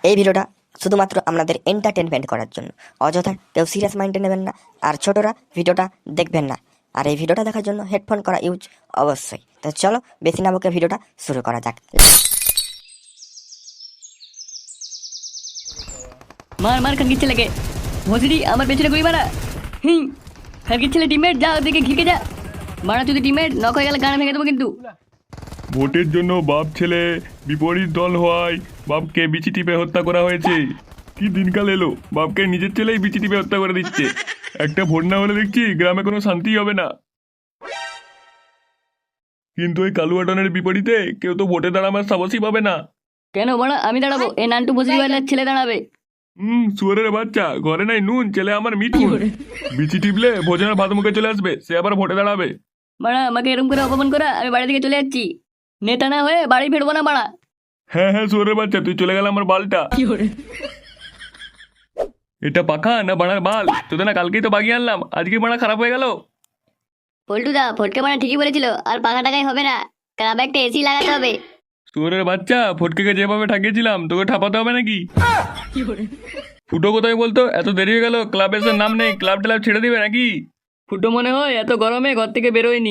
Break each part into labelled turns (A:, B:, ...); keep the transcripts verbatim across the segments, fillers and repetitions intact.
A: এই ভিডিওটা শুধুমাত্র আপনাদের এন্টারটেনমেন্ট করার জন্য, অযথা কেউ সিরিয়াস মাইন্ডে নেবেন না, আর ছোটরা ভিডিওটা দেখবেন না। আর এই ভিডিওটা দেখার জন্য হেডফোন করা ইউজ অবশ্যই। তো চলো বেশি না বকে ভিডিওটা শুরু করা যাক।
B: মার মার খানকির ছেলেকে ভসিডি আমার পেছনে গুলি মারা। হুম খানকির ছেলে টিমমেট যা ওদিকে ঘিকে যা মারা, তুই টিমমেট নক হয়ে গেলে গান ভেঙে দেবো কিন্তু।
C: ভোটের জন্য বাপ ছেলে বিপরীত দল হওয়ায় বাপকে বিচি টিপে হত্যা করা হয়েছে। কি দিনকাল এলো, বাপকে নিজের ছেলেই বিচি টিপে হত্যা করে দিচ্ছে। একটা ভোট না হলে দেখছি গ্রামে কোনো শান্তি হবে না। কিন্তু ওই কালুয়াটনের বিপরীতে কেউ তো ভোটে দাঁড়াবার সাহসই পাবে না।
B: কেন বড়া আমি দাঁড়াবো, এ নান্টু ভসিডি বাড়ির ছেলে দাঁড়াবে।
C: হুম সুয়ারের বাচ্চা, ঘরে নাই নুন, ছেলে আমার মিঠুন। বিচি টিপলে ভোজনের ভাত মুখে চলে আসবে, সে আবার ভোটে দাঁড়াবে।
B: মারা আমাকে এরকম করে অপমান করা, আমি বাড়ি থেকে চলে যাচ্ছি। নেতা না হয়ে বাড়ি ফিরবো না মারা।
C: হ্যাঁ হ্যাঁ সুয়ারের বাচ্চা, তুই চলে গেল আমার বালটা। এটা পাখা না বাড়ার বাল? তোদের না কালকেই তো বাগিয়ে আনলাম, আজকে বাড়া খারাপ হয়ে গেল।
D: পল্টুদা ফটকে মারা ঠিকই বলেছিল, আর পাখা টাকাই হবে না, ক্লাবে একটা এসি লাগাতে হবে।
C: সুয়ারের বাচ্চা, ফটকেকে যেভাবে ঠাকিয়েছিলাম তোকে ঠাপাতে হবে নাকি? ফুটো কোথায় বলতো? এত দেরি হয়ে গেল, ক্লাবের সে নাম নেই, ক্লাব ট্লাব ছেড়ে দিবে নাকি?
B: ফুটো মনে হয় এত গরমে ঘর থেকে বেরোয়নি।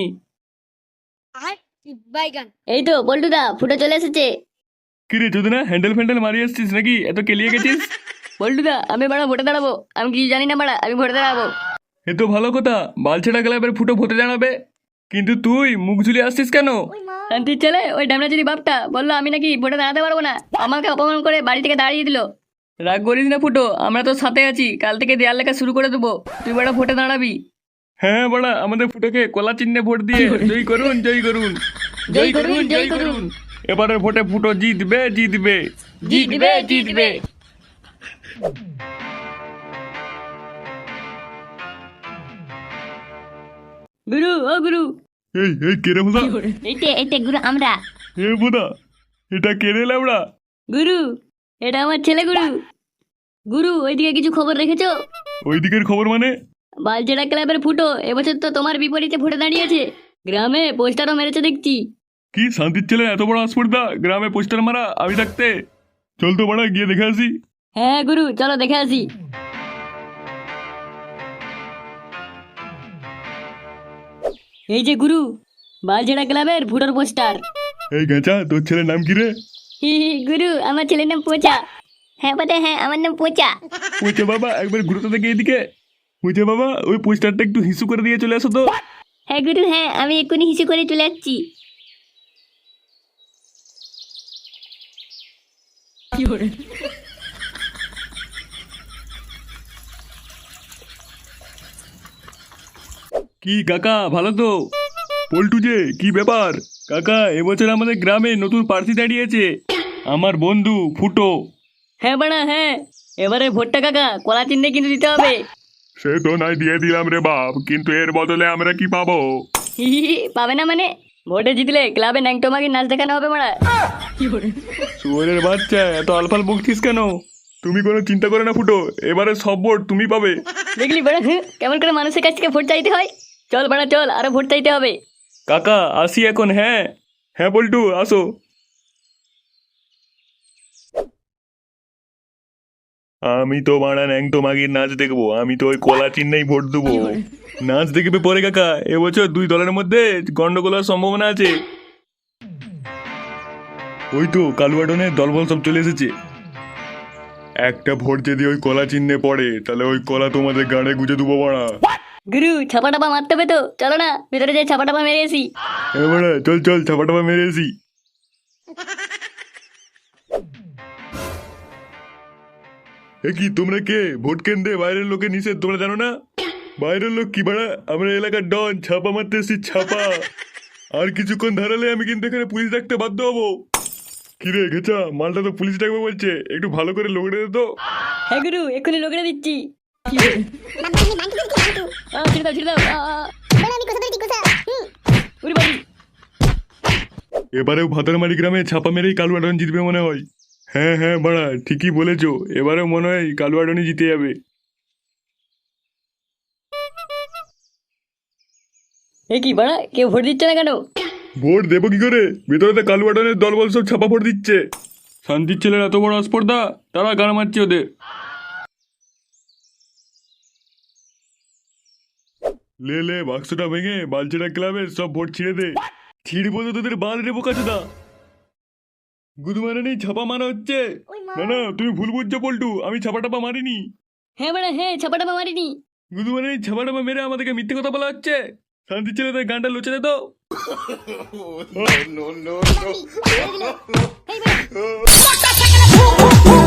D: এই তো পল্টুদা ফুটো চলে এসেছে।
C: কি রে যদি না হ্যান্ডেল ফ্যান্ডেল মারিয়ে এসছিস নাকি? এত কেলিয়ে গেছিস?
B: বল্টুদা আমি বাড়া ভোটে দাঁড়াবো, আমি কিছু জানি না বাড়া, আমি ভোটে দাঁড়াবো।
C: এ তো ভালো কথা, বালছেড়া ক্লাবের ফুটো ভোটে দাঁড়াবে। কিন্তু তুই মুখ ঝুলিয়ে আসছিস কেন?
B: শান্তির ছেলে ওই ডামনা যদি বাপটা বললো আমি নাকি ভোটে দাঁড়াতে পারবো না, আমাকে অপমান করে বাড়ি থেকে দাঁড়িয়ে দিল। রাগ করিস না ফুটো, আমরা তো সাথে আছি, কাল থেকে দেয়াল লেখা শুরু করে দেবো, তুই বাড়া ভোটে দাঁড়াবি।
C: হ্যাঁ বড়া, আমাদের ফুটোকে কলা চিহ্নে ভোট দিয়ে জয় করুন জয় করুন
B: জয় করুন জয় করুন।
C: এবারে ভোটে ফুটো জিতবে জিতবে
B: জিতবে জিতবে। গুরু ও গুরু।
C: এই এই কেড়ে বোধা,
D: এইতে এইতে গুরু আমরা।
C: এ বোধা এটা কেড়ে লাউড়া।
B: গুরু এটা আমার ছেলে গুরু। গুরু ওইদিকে কিছু খবর রেখেছো?
C: ওই দিকের খবর মানে?
B: বালজেরা ক্লাবের ফুটো এবছর তো তোমার বিপরীতে ভোটে দাঁড়িয়েছে, গ্রামে পোস্টারও মেরেছে দেখছি।
C: কি শান্তির ছেলে, এত বড় আসপর্দা গ্রামে পোস্টার মারা আমি থাকতে? চল তো বড়া গিয়ে দেখে আসি।
B: হ্যাঁ গুরু চলো দেখে আসি। এই যে গুরু বালজেরা ক্লাবের ফুটোর পোস্টার।
C: এই গেঁচা, তোর ছেলের নাম কি রে?
B: হি হি গুরু আমার ছেলের নাম পোচা।
D: হ্যাঁ বটে, হ্যাঁ আমার নাম পোচা।
C: পুঁচে বাবা একবার ঘুরতে দেখে এদিকে। পুঁচে বাবা ওই পোস্টারটা একটু হিসু করে দিয়ে চলে আসো তো।
D: হ্যাঁ গুরু হ্যাঁ, আমি এক্ষুনি হিসু করে চলে যাচ্ছি।
C: কি কাকা ভালো তো? পল্টু যে, কি ব্যাপার? কাকা এবছর আমাদের গ্রামে নতুন প্রার্থী দাঁড়িয়েছে, আমার বন্ধু ফুটো।
B: হ্যাঁ বাড়া হ্যাঁ, এবারে ভোটটা কাকা কলা চিহ্নে কিন্তু দিতে হবে।
C: সে তো নাই দিয়ে দিলাম রে বাপ, কিন্তু এর বদলে আমরা কি পাবো?
B: হি হি হি, পাবে না মানে? ভোটে জিতলে ক্লাবে ন্যাংটো মাগির নাচ দেখানো হবে মারা।
C: শুয়োরের বাচ্চা, এত আলফাল বকছিস কেন? তুমি কোনো চিন্তা করে না ফুটো, এবারে সব ভোট তুমি পাবে।
B: দেখলি বাড়া হ্যাঁ কেমন করে মানুষের কাছ থেকে ভোট চাইতে হয়। চল বাড়া চল, আরো ভোট চাইতে হবে।
C: কাকা আসি এখন। হ্যাঁ হ্যাঁ পল্টু আসো। আমি তো মারা ন্যাংটো মাগির নাচ দেখবো, আমি তো ওই কলা চিহ্নেই ভোট দেবো। নাচ দেখবে পরে কাকা, এবছর দুই দলের মধ্যে গন্ডগোল হওয়ার সম্ভাবনা আছে। ওই তো কালুয়াডনের দলবল সব চলে এসেছে। একটা ভোট যদি ওই কলা চিহ্নে পড়ে, তাহলে ওই কলা তোমাদের গাড়ে গুজে দেবো মারা।
B: গুরু ছাপা টাপা মারতে হবে তো, চলো না ভেতরে যাই ছাপা টাপা মেরে আসি।
C: এবারে চল চল ছাপা টাপা মেরে আসি। এ কি তোমরা কে? ভোট কেন্দ্রে বাইরের লোকের নিষেধ, তোমরা জানো না? বাইরের লোক কি বাড়া, আমরা এলাকার ডন, ছাপা মারতে এসেছি ছাপা। আর কিছুক্ষণ ধারালে আমি কিন্তু এখানে পুলিশ ডাকতে বাধ্য হবো। কিরে ঘেচা, মালটা তো পুলিশ ডাকবে বলছে, একটু ভালো করে লোক রেখে তো।
B: হ্যাঁ গুরু এক্ষুনি লোকেরা দিচ্ছি। আ, ছেড়ে দাও ছেড়ে দাও। আ, আ, উরি বাড়ি।
C: এবারেও ভাতারমারি গ্রামে ছাপা মেরেই কালুয়াডন জিতবে মনে হয়। হ্যাঁ হ্যাঁ বাড়া ঠিকই বলেছো, এবারেও মনে হয় কালুয়াডনই জিতে যাবে।
B: এ কি বাড়া কেউ ভোট দিচ্ছে না কেন?
C: ভোট দেবো কি করে, ভেতরে তো কালুয়াডনের দলবল সব ছাপা ভোট দিচ্ছে। শান্তির ছেলের এত বড় আসপর্দা, তারা গান মারছে ওদের। লে লে বাক্সটা ভেঙে বালচেরা ক্লাবের সব ভোট ছিঁড়ে দে। ছিঁড়বো তো তোদের বাল রে বোকাচোদা। গুদু মারা নেই, ছাপা মারা হচ্ছে। না না, তুমি ভুল বুঝছো পল্টু, আমি ছাপা টাপা মারিনি।
D: হ্যাঁ বাড়া হ্যাঁ ছাপাটা মারিনি।
C: গুদু মারা নেই, ছাপা টাপা মেরে আমাদেরকে মিথ্যে কথা বলা হচ্ছে। শান্তির ছেলেদের গানটা লুচে দে তো।